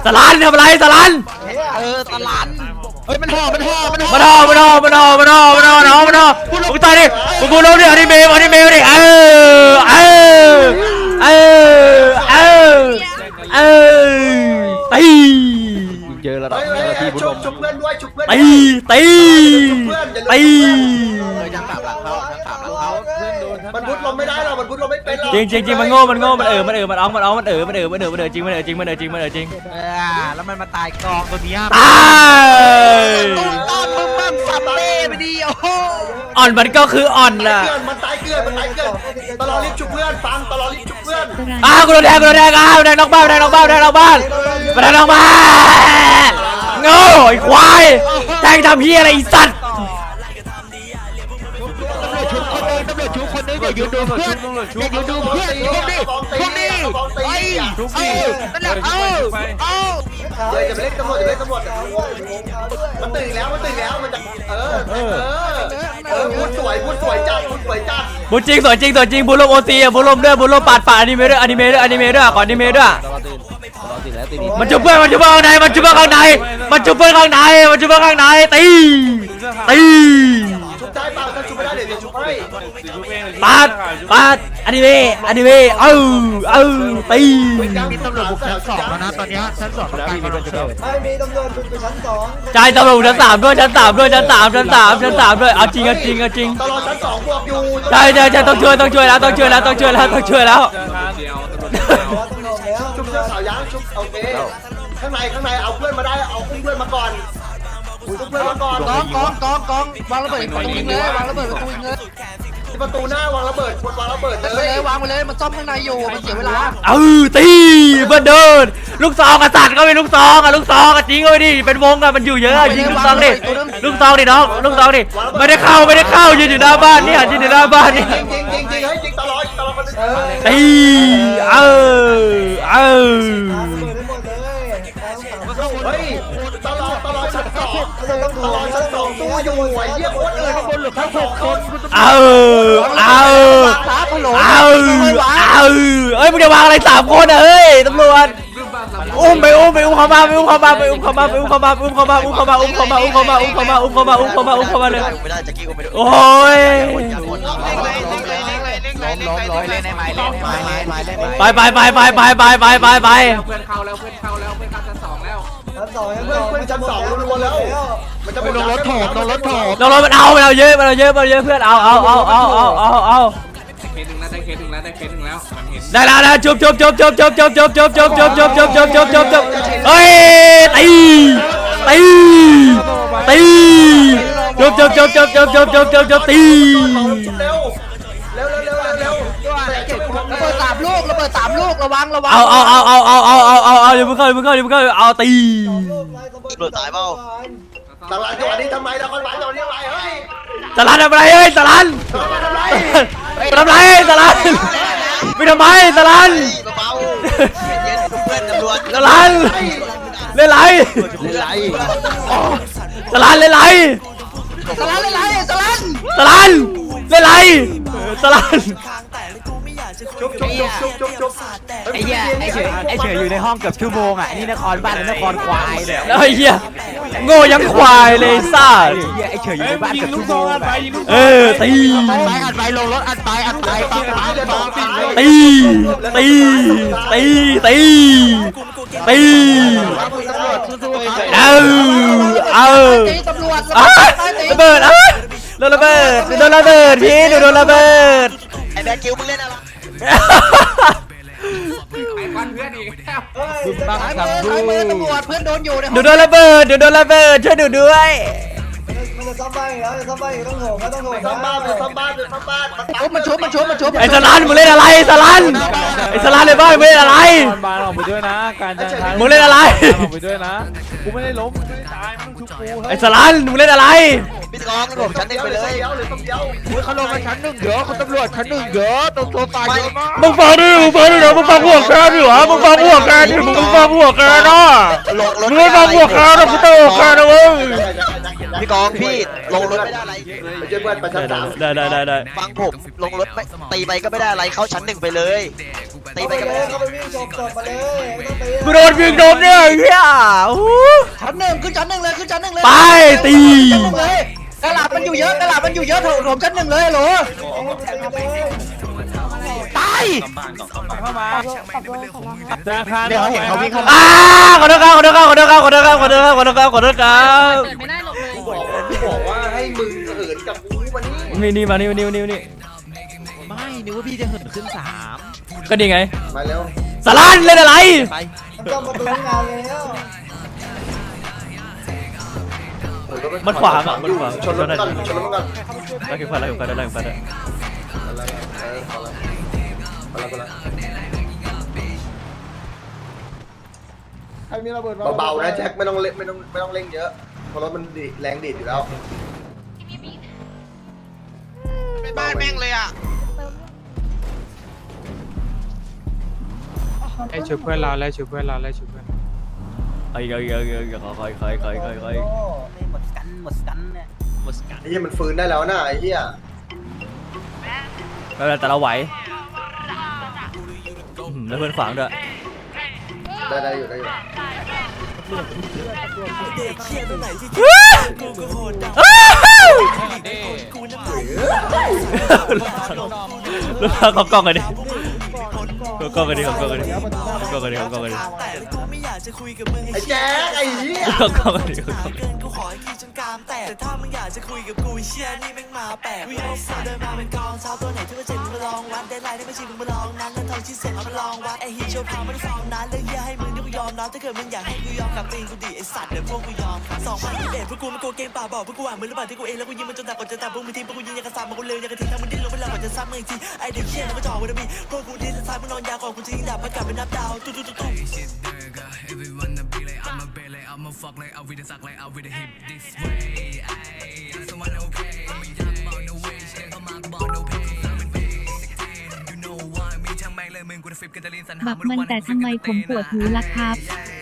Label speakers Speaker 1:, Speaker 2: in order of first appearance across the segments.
Speaker 1: สลันทำอะไรสลัน
Speaker 2: ตลาดเฮ้ยมันห่อมึงตายดิมึงพูดลงดิอนิเมะดิตีเจอแล้วที่บุญลม
Speaker 3: ชุบเพื่อนด้วยชุบเพื่อน
Speaker 2: ตี
Speaker 3: ยังกลับหลังเขามันพุทลมไม่ได้หรอกมันพุทลมไม่เป็นหรอก
Speaker 2: จริงมันโง่มันอ้องมันจริง
Speaker 4: แล้วมันมาตายกองตัวนี้
Speaker 2: ตาย
Speaker 4: มึงสับเล่ไปดิโอ้โห
Speaker 2: อ่อนมันก็คืออ่อนล่ะ
Speaker 3: มันตายเกลือนตลอดรีบชุบเพื่อนฟังตลอดรีบชุบเพื่อน
Speaker 2: กูโดนแทงแทงนอกบ้านโง่ไอ้ควายแทงทำเหี้ยอะไรไอ้สัตว์
Speaker 4: ตำรวจชุบคนนึงอย่ายืนดูเพื่อนชุบดิไอ้นั่นแหละ
Speaker 3: จะไปเล่นตำรวจมันตื่นแล้วมันจะพูดสวยจัด
Speaker 2: บุญจริงสวยจริงบุญลมโอซีบุญลมด้วยบุญลมปาดฝ่าอนิเมะด้วยก่อนอนิเมะด้วยมันจุบเพื่อนข้างในตี
Speaker 3: ชุบได้เปล่าถ้าชุบไม่ได้เดี๋ยวชุบให้
Speaker 2: ปาดอนิเมะตี
Speaker 4: มีตำรวจบุกชั้น 2แล้วนะตอนนี้ชั้น 2แล้วมีตำรวจ
Speaker 1: มีตำรวจบุกไปชั้น 2
Speaker 2: ใจตำรวจชั้น 3ด้วยชั้น 3ด้วยเอาจริง
Speaker 3: ตลอดชั้น 2บวกอยู่
Speaker 2: ใช่ต้องช่วยแล้ว
Speaker 3: ชุบเสื้อขาวยั้งชุบโอเคข้างในเอาเพื่อนมาได้เอาเพื่อนมาก่อน
Speaker 4: กองวางระเบิดประตูยิงเลยวางระเบิดประตูยิงเลย
Speaker 3: ประตูหน้าวางระเบิดเล
Speaker 4: ยวางไปเลยมันซ่อมข้างในอยู่มันเสียเวลา
Speaker 2: ตีมันเดินลูกซองกษัตริย์ก็เป็นลูกซองจริงเลยดิเป็นวงกันมันอยู่เยอะยิงลูกซองดิน้องลูกซองดิไม่ได้เข้ายืนอยู่หน้าบ้านนี่จริงตลอดตี
Speaker 3: เฮ้ยตลอดชั้น 2ตู้อยู่ไอ้เหี้ยโคตรข้างบนหรือทั้ง6 คน
Speaker 2: เอ้ยมึงจะวางอะไร3 คนเฮ้ยตำรวจอุ้มเข้ามาเลย
Speaker 3: ไม่ได้จะกี้กูไม่ได้
Speaker 2: โอ้ยไปเพื่อนเข้าชั้น 2รัวๆแล้วมันจะไปลงรถถมมันเอาเยอะเพื่อนเอาเคสถึงแล้วได้แล้วจุบเฮ้ยตีตี
Speaker 4: ระเบิด3 ลูกระวัง
Speaker 2: เอาอย่าเพิ่งเข้าเอาตี
Speaker 3: ตำรวจตายเปล่าตลาดจังหวัดนี้ทำไมเราคนหวานจังหวัดนี้ทำไมเฮ้ย
Speaker 2: ตลาดทำไรเฮ้ยตลาดไปทำไรตลาดตลาดเล่นไรตลาดเล่นไร
Speaker 3: ชุบ
Speaker 4: ไอ้เหี้ยไอ้เฉยอยู่ในห้องเกือบชั่วโมงอ่ะนี่นครบ้านนครควายเนี่ย
Speaker 2: ไอ้เหี้ยโง่ยังควายเลยซ่า
Speaker 4: ไอ้เฉยอยู่ในบ้านเกือบชั่วโมง
Speaker 2: ตี
Speaker 4: อัดไปลงรถอัดไป
Speaker 2: เอาระเบิดโดนระเบิดพี่โดนระเบิด
Speaker 3: ไอ้แบกิวมึงเล่นอะไร
Speaker 4: ไอ้เพื่อนอีกตำรวจเพื่อนโดนอยู่
Speaker 2: โดนระเบิดช่วยดูด้วย
Speaker 1: มันจะซ่อมบ้านแล้วต้องโห
Speaker 3: ซ่อมบ้าน
Speaker 4: มันชุบ
Speaker 2: ไอ้สลันมึงเล่นอะไรสลันไอ้สลันเลยบ้านมึงเล่นอะไร
Speaker 5: บานออกไปด้วยนะการจัดการ
Speaker 2: มึงเล่นอะไร
Speaker 5: ออกไปด้วยนะกูไม่ได้ล้มไม่ได้ตายมึงชุบกู
Speaker 2: ไอ้สลันมึงเล่นอะไร
Speaker 3: พี่ตองผมชั้น 1ไปเลย
Speaker 4: เขาลงมาชั้น 1เยอะคุณตำรวจชั้น 1เยอะตัวตายเยอะมาก
Speaker 2: มึงฟังดิมึงฟังหัวแกดิวะมึงฟังหัวแกนะมึงไม่ฟังหัวแกนะกูเตะแกนะเว้ย
Speaker 3: พี่กองพี่ลงรถไม่ได้อะไรไปช่วยเพื่อนไปชั้น
Speaker 2: ได้
Speaker 3: ฟังผมลงรถไม่ตีไปก็ไม่ได้อะไรเข้าชั้น1ไปเลยตี
Speaker 1: เข้า
Speaker 3: ไป
Speaker 1: ไป
Speaker 3: ก็
Speaker 1: เล
Speaker 3: ไม่
Speaker 1: ย
Speaker 3: ได้
Speaker 1: เข้าไปวิ่งชมศพมาเลยไม่ต้องตี
Speaker 2: กูโดนยิงโดนเนี่ยไอ้เฮียโอ้โห
Speaker 3: ชั้น 1ขึ้นชั้น 1เลยขึ้นชั้น 1เลย
Speaker 2: ไปตี
Speaker 3: เลยกระหล่ำมันอยู่เยอะกระหล่ำมันอยู่เยอะโถมชั้น 1เลยเหรอตาย
Speaker 5: ธนาคาร
Speaker 3: เดี๋ยวเห็นเขาวิ่งเข้า
Speaker 2: อ้าขอโทษครับไม่ได้หลบเลย
Speaker 3: บอกว่าให้มึงเหินกับกูวันนี้
Speaker 2: นี่มานี่
Speaker 4: ไม่นึกว่าพี่จะเหินขึ้น3
Speaker 2: ก็ดีไง
Speaker 3: มาเร็ว
Speaker 2: สารานเล่นอะไร
Speaker 4: ไป
Speaker 1: มันต้องมาดูงานแล้ว
Speaker 2: มันขวางอ่ะมันขวาง
Speaker 3: ชนรถกันชนรถกัน
Speaker 2: ได้กี่ฟันได้
Speaker 5: ใครมีระเบิด
Speaker 3: เบาๆนะแจ็คไม่ต้องเร่งเยอะเพราะรถมันแรงดีดอยู่แล้ว
Speaker 4: บ้านแม่งเลยอ่ะ
Speaker 5: ไอ้ช่วยเพื่อนเราแล้วช่วยเพื่อนเราแล้วช่วยเพื่อน
Speaker 2: ไอ้คอย
Speaker 3: ไอ้เหี้ยมันฟื้นได้แล้วนะไอ้เหี้ย
Speaker 2: แต่เราไหวแล้วเพื่อนขวางด้วย
Speaker 3: ได้อยู่
Speaker 2: ลูกค้าขอกล้องกันดิกล้องกันดิ
Speaker 3: ไอ้แจ๊คไอ้เหี้ย
Speaker 2: กล้องกันดิ
Speaker 6: กูขอให้ขี่จนกรามแตกแต่ถ้ามึงอยากจะคุยกับกูเชี่ยนี่แม่งมาแปลกวิ่งเอาเดินมาเป็นกองเช้าตัวไหนที่ว่าเจ็บมึงมาลองวัดได้ไลน์ได้ไม่ชิมึงมาลองนั้นเงินทองชิ้นเสร็จเอามาลองวัดไอ้ฮิตโชว์พาวไม่ได้ฟอร์มนั้นเรื่องเหี้ยให้มึงนี่กูยอมรับถ้าเกิดมึงอยากให้กูยอมกับตีนกูดิไอ้สัตว์เดี๋ยวพวกกูยอม2021พวกกูไม่โกงเกมป่าบอกพวกกูอ่านมือระบาดที่กูเองแล้วกูยิงมันจนตายก่อนจะตายพวกมึงทีมพวกกูยิงอย่างกระซามมากูเลยอย่างกระทิ้งทั้งมึงดิ้นลงไปแล้วก่อนจะซ้ำมึงอีกทีไอ้เด็กเชี่ยแล้วก็จ่อวันนี้พวกกูดิ้นแล้วซ้ายมึงนอนยาก่อนกูจะยิงดาบมากลับเป็นนับดาวตุ๊ตุ๊ตุ๊
Speaker 7: บักมันแต่ทำไมผมปวดหูล่ะครับ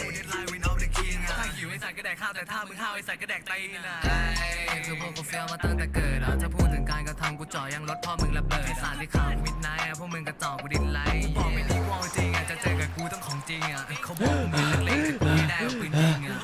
Speaker 6: คือพวกกูเฟี้ยวมาตั้งแต่เกิดอ่ะถ้าพูดถึงการกระทำกูจ่อยังรถพ่อมึงระเบิดสารที่ข่าวมิดไนท์พวกมึงกระจอกกูดินไลท์บอกไม่ดีว่าจริงอ่ะจะเจอกับกูต้องของจริงอ่ะเขาบอกมึงเล็กๆกูไม่ได้เอาปืนยิงอ่ะ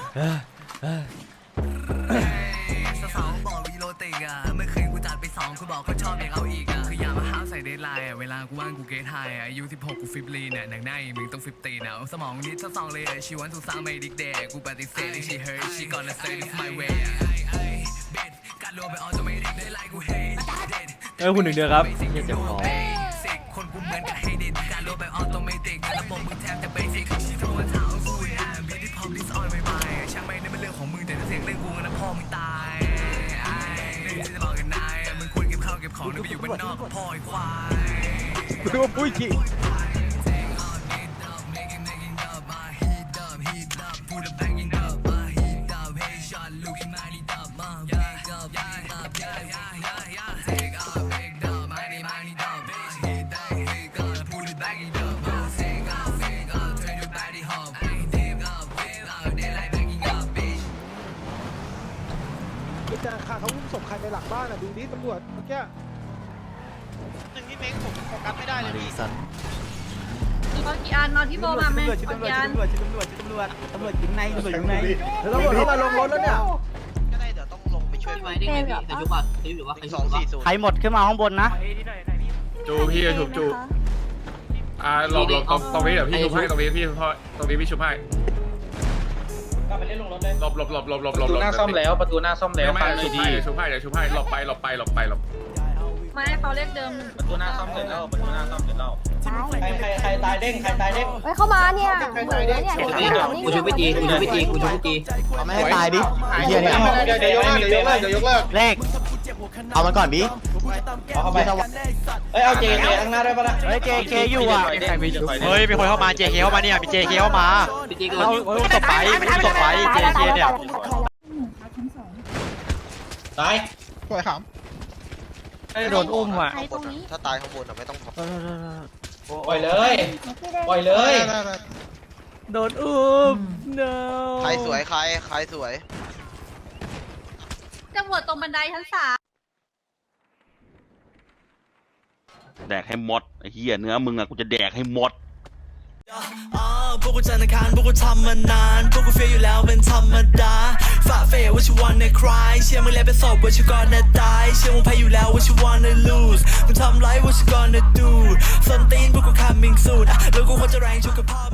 Speaker 6: สาวๆบอกวีโรติกอ่ะเมื่อคืนกูจัดไป2กูบอกเขาชอบอยากเอาอีกอ่ะคืออย่ามาห้าวใส่เดทไลน์อ่ะเวลากูว่างกูเกทไฮอ่ะอายุ16กูฟิปลีเนี่ยหนังในมึงต้องฟิปตีนะสมองนิดทั้งสองเลยชีวันทุกสาวไม่ดิกเดย์กูปฏิเสธที่ she heard she gonna say it's my way การโลไปออจะไม่ดิกได้ไลน์กูเฮด
Speaker 2: คุณ1 เดือนครับเจ็บคอ
Speaker 6: คนกูเหมือนกับเฮดิตการโลไปออโตเมติกระบบมึงแทบจะเบสิกโทรมาถามกูอ่ะบีที่พร้อมดิสออนไม่ไปช่างไม่ได้เป็นเรื่องของมึงแต่ถ้าเสียงเรื่องกูนะพ่อมึงตายเรื่องที่จะบอกกันนายมึงควรเก็บข้าวเก็บของไปอยู่บ้านนอกกับพ่อไอ้ควาย
Speaker 5: ดูปุ้ยจี จะขาเขาอุ้มศพใครไปหลังบ้านอ่ะดูดิตำรวจเมื่อกี้
Speaker 4: พี่เม้งผมโฟกัสไม่ได้เลยพี่
Speaker 7: เอากี่อันเอาที่โบมาไหมเอากี่อัน
Speaker 5: ตำรวจเข้ามาลงรถแล้วเนี่ย
Speaker 4: ก็ได้เดี๋ยวต้องลงไปช่วย
Speaker 7: ไว้ได้ไงพี่แต่ยุบอ่ะยุบหรือว่า
Speaker 4: 240
Speaker 2: ใครหมดขึ้นมาข้างบนนะ
Speaker 5: จูพี่ชุบจูหลบตรงนี้เดี๋ยวพี่ชุบให้ตรงนี้พี่พี่ชุบให้หลบประตูหน้าซ่อมแล้วประตูหน้าซ่อมแล้วไม่ชุบให้เดี๋ยวชุบให้หลบไป
Speaker 7: ไม่ให้เขาเรียกเดิม
Speaker 5: ประตูหน้าซ่อมเสร็จแล้ว
Speaker 3: ใครตายเด้ง
Speaker 8: เข้ามาเนี่ยเหมือนเนี่ยกูชูไปตี
Speaker 3: เอาไม่ให้ตายดิเหี้ยเนี่ยเดี๋ยวยกเลิก
Speaker 2: เลข
Speaker 3: เอามันก่อนดิเอาเข้าไปเอาเจข้างหน้าได้ปะล่ะ
Speaker 2: เฮ้ย JK อยู่อ่ะ
Speaker 4: เฮ้ยมีคนเข้ามา JK เข้ามาเนี่ยมี JK เข้ามาตบไปJK เนี่ย
Speaker 3: ตาย
Speaker 5: สวยขำ
Speaker 2: โดนอุ้มอ่ะ
Speaker 3: ถ้าตายข้างบนไม่ต้องปล่อยเลยปล่อยเลย
Speaker 2: โดนอุ้ม no
Speaker 3: ใครสวยใครสวย
Speaker 8: ำรวจตรงบันไดชั้น 3
Speaker 4: แดกให้หมดไอ้เหี้ยเนื้อมึงอะกูจะแดกให้หมด
Speaker 6: พวกกูจันทร์อังคารพวกกูทำมานานพวกกูเฟียอยู่แล้วเป็นธรรมดาฝ่าเฟย what you wanna cry เชื่อมึงแล้วเป็นศพ what you gonna die เชื่อมึงแพ้อยู่แล้ว what you wanna lose มึงทำไร what you gonna do ส้นตีนพวกกู coming soon แล้วกูควรจะแรงชุกกับพ่อ